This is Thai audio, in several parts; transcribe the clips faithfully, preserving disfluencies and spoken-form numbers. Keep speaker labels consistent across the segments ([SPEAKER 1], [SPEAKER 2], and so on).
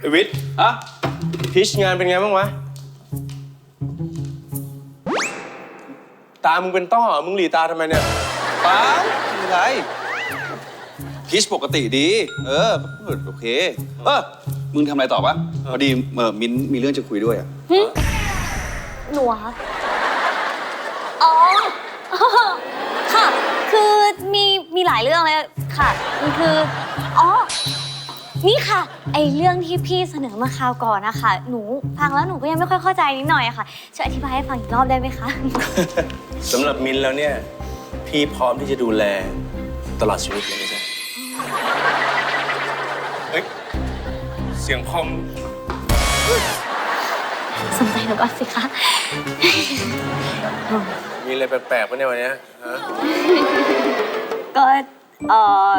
[SPEAKER 1] วิทย์อะพิชงานเป็นไงบ้างวะตามึงเป็นต้อมึงหลีตาทำไมเนี่ย
[SPEAKER 2] เปล่าไม่ไรพิชปกติดีเออโอเคเออมึงทำอะไรต่อปะพอดีเออมิ้นมีเรื่องจะคุยด้วยอ่ะ
[SPEAKER 3] หนูคะอ๋อค่ะคือมีมีหลายเรื่องเลยค่ะมันคืออ๋อนี่ค่ะไอเรื่องที่พี่เสนอมาคราวก่อนนะคะหนูฟังแล้วหนูก็ยังไม่ค่อยเข้าใจนิดหน่อยอะค่ะช่วยอธิบายให้ฟังอีกรอบได้ไหมคะ
[SPEAKER 1] สำหรับมินแล้วเนี่ยพี่พร้อมที่จะดูแลตลอดชีวิตเลยนะจ๊ะเฮ้ยเสียงคอม
[SPEAKER 3] สนใจหนูก่อนสิคะ
[SPEAKER 1] มีอะไรแปลกๆปะเนี่ยวันนี้ฮะ
[SPEAKER 3] ก็เออ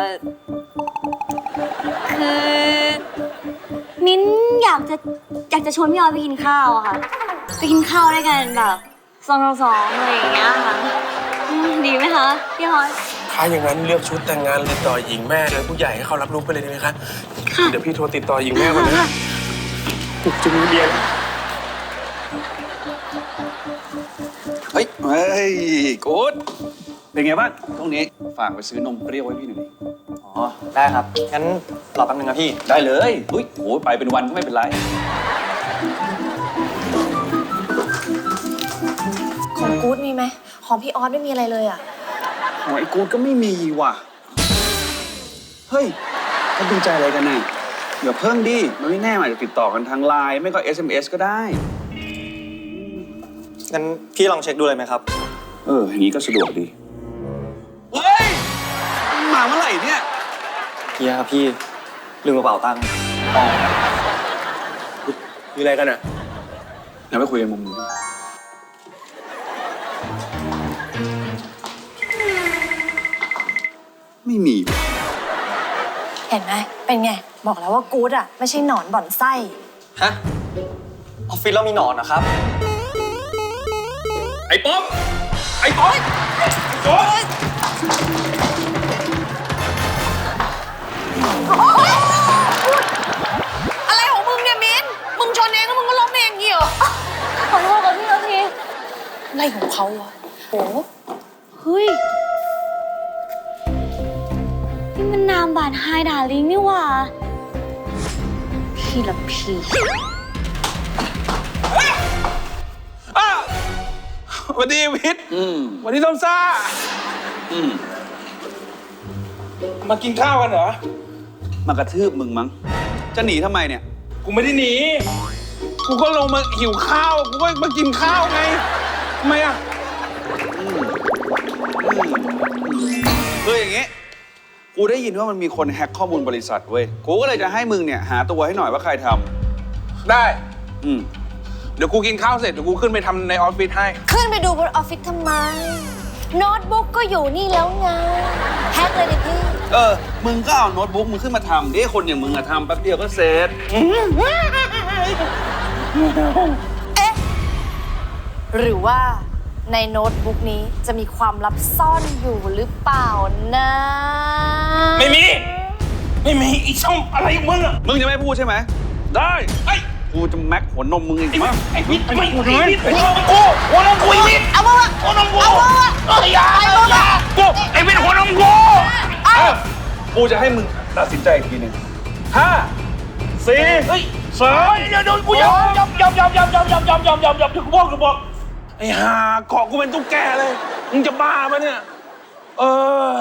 [SPEAKER 3] คือมิ้นอยากจะอยากจะชวนพี่ออยไปกินข้าวอะค่ะไปกินข้าวด้วยกันแบบสองต่อสองอะไรอย่างเงี้ยค่ะดีไหมคะพี่ออย
[SPEAKER 1] ถ้าอย่างนั้นเลือกชุดแต่งงานติดต่อหญิงแม่เลยผู้ใหญ่ให้เขารับรู้ไปเลยได้ไหมคะเดี๋ยวพี่โทรติดต่อหญิงแม่ก่อนนะจะมีเรียน
[SPEAKER 2] เฮ้ยเฮ้ยกู๊ดเป็นไงบ้างช่วงนี้ฝากไปซื้อนมเปรี้ยวไว้พี่หน่อยดิ
[SPEAKER 4] อ๋อได้ครับงั้นรอแป๊บนึงนะพี่
[SPEAKER 2] ได้เลยอุ้ยโหไปเป็นวันก็ไม่เป็นไร
[SPEAKER 5] ของกู๊ดมีไหมของพี่ออสไม่มีอะไรเลยอ่ะ
[SPEAKER 2] ของไอ้กู๊ดก็ไม่มีว่ะเฮ้ยเขาดูใจอะไรกันน่ะเดี๋ยวเพิ่มดิมันไม่แน่อาจจะติดต่อกันทางไลน์ไม่ก็ เอส เอ็ม เอส ก็ได้
[SPEAKER 4] งั้นพี่ลองเช็คดูเลยไหมครับ
[SPEAKER 2] เอออย่างนี้ก็สะดวกดีเฮ้ยมาเมื่อไหร่เนี่ย
[SPEAKER 4] เฮียครับพี่ลืมกระเป๋าตังค์
[SPEAKER 1] อ๋อมีอะไรกันอ่ะ
[SPEAKER 2] เดี๋ยวไปคุยกันมุมนี้ไม่มี
[SPEAKER 5] เห็นไหมเป็นไงบอกแล้วว่ากู๊ดอ่ะไม่ใช่หนอนบ่อนไส้
[SPEAKER 4] ฮะออฟฟิศเรามีหนอนนะครับ
[SPEAKER 1] ไอ้ป๊อปไอ้ป๊อปไอ้ป๊อป
[SPEAKER 5] อะไรของมึงเนี่ยมิ้นมึงชนเองแล้วมึงก็ล้มเองอย่างงี้เหรอ
[SPEAKER 3] ขอโทษกับพี่นาที
[SPEAKER 5] อะไรของเขาวะโอ้
[SPEAKER 3] เฮ้ยนี่มันนามบาดไฮดาลิงนี่หว่าพี่ละพี่
[SPEAKER 1] วันนี้วิทย์วันนี้ต้มซ่ามากินข้าวกันเหรอ
[SPEAKER 2] มากระทืบมึงมั้งจะหนีทำไมเนี่ย
[SPEAKER 1] กูไม่ได้หนีกูก็ลงมาหิวข้าวกูก็มากินข้าวไงทำไมอ่ะ
[SPEAKER 2] คืออย่างงี้กูได้ยินว่ามันมีคนแฮ็กข้อมูลบริษัทเว้ยกูก็เลยจะให้มึงเนี่ยหาตัวให้หน่อยว่าใครท
[SPEAKER 1] ำได้
[SPEAKER 2] อืม
[SPEAKER 1] เดี๋ยวกูกินข้าวเสร็จเดี๋ยวกูขึ้นไปทำในออฟฟิศให้
[SPEAKER 5] ขึ้นไปดูบนออฟฟิศทำไมโน้ตบุ๊กก็อยู่นี่แล้วไงแฮกเลยดิพี่
[SPEAKER 2] เออมึงก็เอาโน้ตบุ๊กมึงขึ้นมาทำดิคนอย่างมึงอะทำแป๊บเดียวก็เสร็จ
[SPEAKER 5] เอ๊ะหรือว่าในโน้ตบุ๊กนี้จะมีความลับซ่อนอยู่หรือเปล่านะ
[SPEAKER 1] ไม่มีไม่มีอีช่องอะไรมึงอะ
[SPEAKER 2] มึงจะไม่พูดใช่ไหมได้ไอ้กูจะแม็กหัวนมมึงอีกมั้ง
[SPEAKER 1] ไอ้วิทย์ไอ้วิทย์ไอ้วิทย์หัวนมกูหัวนมกูไอ้วิทย์
[SPEAKER 5] เอามา
[SPEAKER 1] หัวนมกูเอ้ยอย่าอย่ากูไอ้วิทย์หัวนมกู
[SPEAKER 2] เอ้ากูจะให้มึงตัดสินใจอีกทีหนึ่งห้าสี่สาม
[SPEAKER 1] เดี๋ยวเดี๋ยวกูยอมยอมยอมยอมยอมยอมยอมยอมยอมยอมยอมกูบอกกูบอกไอ้ห่าเกาะกูเป็นตุ๊กแกเลยมึงจะบ้าปะเนี่ยเออ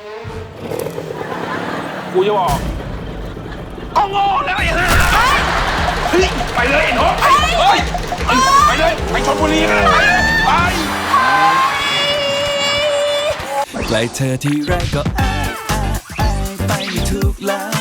[SPEAKER 1] กูจะบอกก็งอแล้วไอ้ห่าเฮ้ยไปเลยไอ้น้องเฮ้ยไปเลยไปชลบุรีกันเลยไป
[SPEAKER 6] ใกล้เธอที่ไรก็อายอายอายไปไม่ถูกแล้ว